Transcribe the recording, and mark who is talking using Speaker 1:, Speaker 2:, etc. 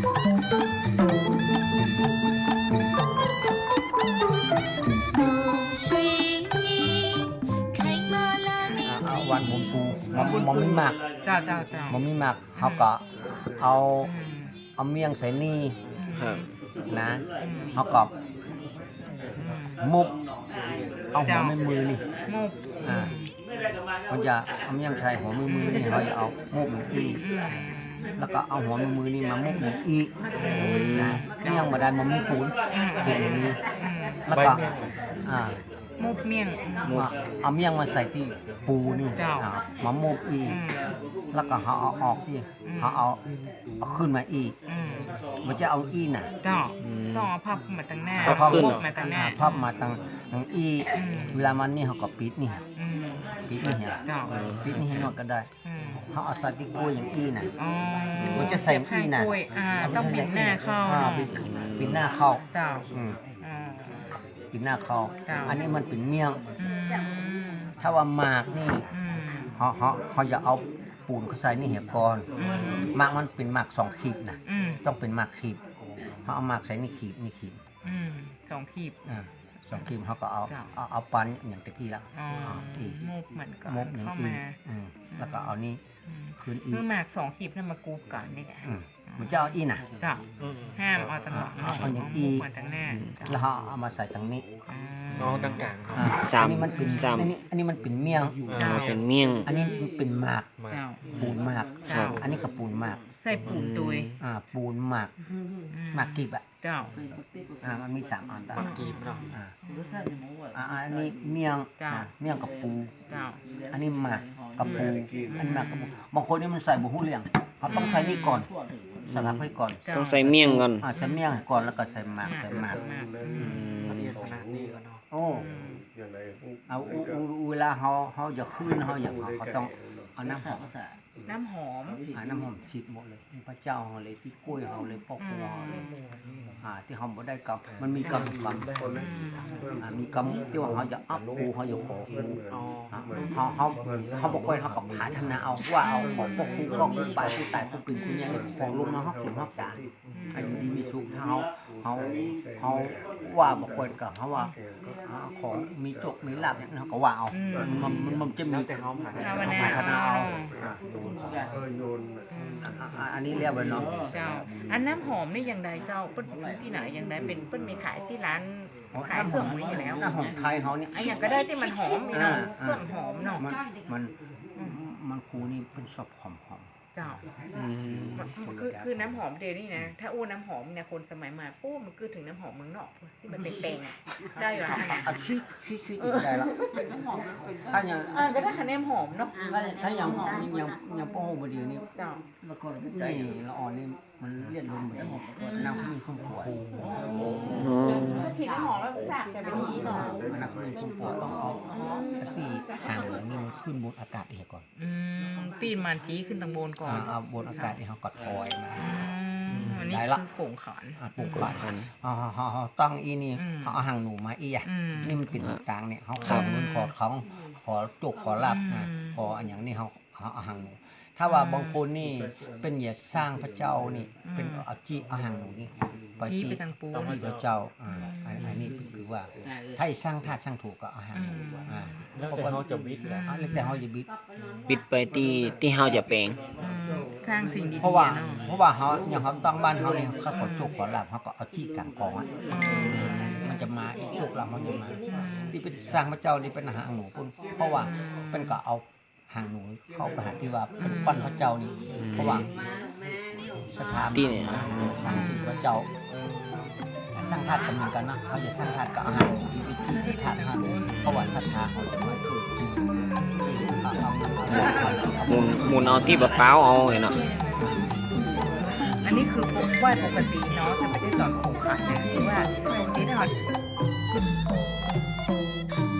Speaker 1: วันมุมชูมันไม่มาก
Speaker 2: จ้า
Speaker 1: มันไม่มากเขาก็เอาเมี่ยงใส่นี่
Speaker 3: ครับ
Speaker 1: นะเขาก็มุกเอาหัวไม่มือนี่
Speaker 2: มุก
Speaker 1: มันจะเอาเมี่ยงใส่หัวมือนี่เขาจะเอามุกหนึ่งอีแล้วก็เอาหัวมือนี่มามุกหนึ่งอีนะเมี่ยงมาได้มันมุกปูนนี่แล้วก็
Speaker 2: มุกเมี่ยง
Speaker 1: เอาเมี่ยงมาใส่ที่ปูนี่มามุกอีแล้วก็เขาเอาออกอีเขาเอาขึ้นมาอีมันจะเอาอีน่ะ
Speaker 2: ต้องเอาพับมาตั้งหน้า
Speaker 1: ขึ้น
Speaker 2: มาตั้งหน้า
Speaker 1: พับมาตั้งอีเวลามันนี่เขาก็ปิดนี่ปิดนี่เห็นปิดนี่ให้นวดก็ได้เขาเอาใส่ที่กล้วยอย่างอีน่ะมันจะใส่อีน่ะ
Speaker 2: ต้องปิดหน้าเข้า
Speaker 1: ปิดหน้าเข้า ปิดหน้าเข้า อันนี้มันเป็นเมี่ยงถ้าว่าหมากนี่เขาจะเอาปูนเขาใส่นี่เหี่ยก่อนหมากมันเป็นหมาก2 ขีดนะต้องเป็นหมากขีดเขาเอาหมากใส่นี่ขีดนี่ขีด
Speaker 2: 2 ขีด
Speaker 1: 2 ขีดเขาก็เอาปันอย่างตะกี้ละ
Speaker 2: มุกเหมือนกัน
Speaker 1: มุกเข้ามาแล้วก็เอานี่คืนอี
Speaker 2: คือหมาก2 ขีดนั่นมากูก่อนนี่ไง
Speaker 1: มันจะเอาอีน่ะ
Speaker 2: ห้ามเอาตลอด
Speaker 1: เอาอย่างอีแล้วเขาเอามาใส่ตรงนี้
Speaker 3: ตรงกลาง
Speaker 1: อันนี้มันเป็นอันนี้มันเป็นเมี่ยง
Speaker 3: เป็นเมี่ยง
Speaker 1: อันนี้เป็นหมากปูนหมากอันนี้ก็ปูนหมาก
Speaker 2: ใส่ปูนตุย
Speaker 1: ปูนหมากหมากกีบมันมี3 อัน
Speaker 3: หมากกีบเนาะ
Speaker 1: อันนี้เมี่ยงกับปูอันนี้หมากกับปูอันหมากกับปูบางคนนี่มันใส่บุหูเลี้ยงเขาต้องใส่นี่ก่อนสลับให้ก่อน
Speaker 3: ต้องใส่เมี่ยงก่อน
Speaker 1: ใส่เมี่ยงก่อนแล้วก็ใส่หมากโอ้เอาเวลาเขาจะขึ้นเขาอย่างเขาต้องเอาน้ำหอม
Speaker 2: น้ำหอม
Speaker 1: ฉีดหมดเลยพระเจ้าเขาเลยที่กล้วยเขาเลยพ่อครัวที่เขาบ่ได้กำมันมีกำมีกำที่ว่าเขาจะอัพครูเขาจะขอครูเขาบอกว่าเขากับพัฒนาเอาว่าเอาของพวกครูก็ครูไปครูตายครูเป็นครูยังได้ของลงมาฮักสูงฮักษาอายุดีมีสุขเขาว่าบอกว่ากับเขาว่าของมีจกมีลาบเนี่ยเขาก็ว่าเอามันจะมีแต่เขาพัฒนาเอาอันนี้เรียกว่าเนาะ
Speaker 2: เจ้าอันน้ำหอมนี่อย่างใดเจ้าเปิ้นซื้อที่ไหนอย่างใดเป็นเปิ้นมีขายที่ร้านขายเครื่องนี้อยู่แล้ว
Speaker 1: น้ำหอมไทยเขาเนี่ย
Speaker 2: อย่างก็ได้ที่มันหอมเนาะเครื่องหอมเนาะ
Speaker 1: มันครูนี่เป็นชอบหอม
Speaker 2: เจ้าคือน้ำหอมเดี๋ยวนี้นะถ้าอู้น้ำหอมเนี่ยคนสมัยใหม่ปุ๊บมันคือถึงน้ำหอมเมืองนอกที่มันเต็งๆได้หรอ
Speaker 1: ชิได้ละถ้าอย่าง
Speaker 2: ก็ได้คะแนนหอมเนาะ
Speaker 1: ถ้าอย่างป้องบดีนี่เจ้าแล้วก็ใจละอ่อนนี่มันเลียนลมเหมือนน้ำขึ้นสุ่มปวด
Speaker 2: ฉีดน้ำหอมแล้วสาบแต่เป็นนี้เนาะ
Speaker 1: น้ำขึ้นสุ่มปวดต้องเอาตีห่างเลยนี่มันขึ้นบนอากาศเองก่อน
Speaker 2: ปีนมันจี้ขึ้นตรงบนก่อน
Speaker 1: เอาบนอากาศที่เขากดคอยมา
Speaker 2: อันนี้คือโป่งขาน
Speaker 1: เขาตั้งอีนี่เขาเอาหางหนูมาอีอ่ะนี่มันเป็นต่างเนี่ยเขาขอเงินขอจุกขอลาบขออันอย่างนี้เขาเอาหางหนูถ้าว่าบางคนนี่เป็นอย่าสร้างพระเจ้านี่เป็นเอาจีเอาหางหนูนี่
Speaker 2: ไปทางปู
Speaker 1: ที่พระเจ้าอันนี้คือว่าถ้าสร้างธาตุสร้างถูกก็เอาหางหนู
Speaker 3: แล้วแต่เขาจะบิด
Speaker 1: แล้วแต่เขาจะ
Speaker 3: บิดไปที่เขาจะแปลง
Speaker 2: สร้างสิ่งดีๆ
Speaker 1: เพราะว่าเขาอย่างเขาตั้งบ้านเขาเนี่ยเขาขอจุกขอลาบเขาก็เอาจี้กลางกองมันจะมาอีกจุกลาบมันจะมาที่เป็นสร้างพระเจ้านี่เป็นหางหนูเพราะว่าเป็นก็เอาหางหนูเข้าไปหาที่ว่าเป็นปั้นพระเจ้านี่เพราะว่าสถาน
Speaker 3: ที่เนี่ย
Speaker 1: สร้างพระเจ้าสร้างธาตุกันเหมือนกันนะเขาจะสร้างธาตุกับอาหารที่ธาตุเพราะว่าศรัทธาเขาจะมาคือ
Speaker 3: หมุนเอาที่แบบเปล่าเอาเนาะ
Speaker 2: อันนี้คือไหว้ปกติเนาะแต่ไม่ได้สอนโขงขันนะคือว่าปกติถ้าเรา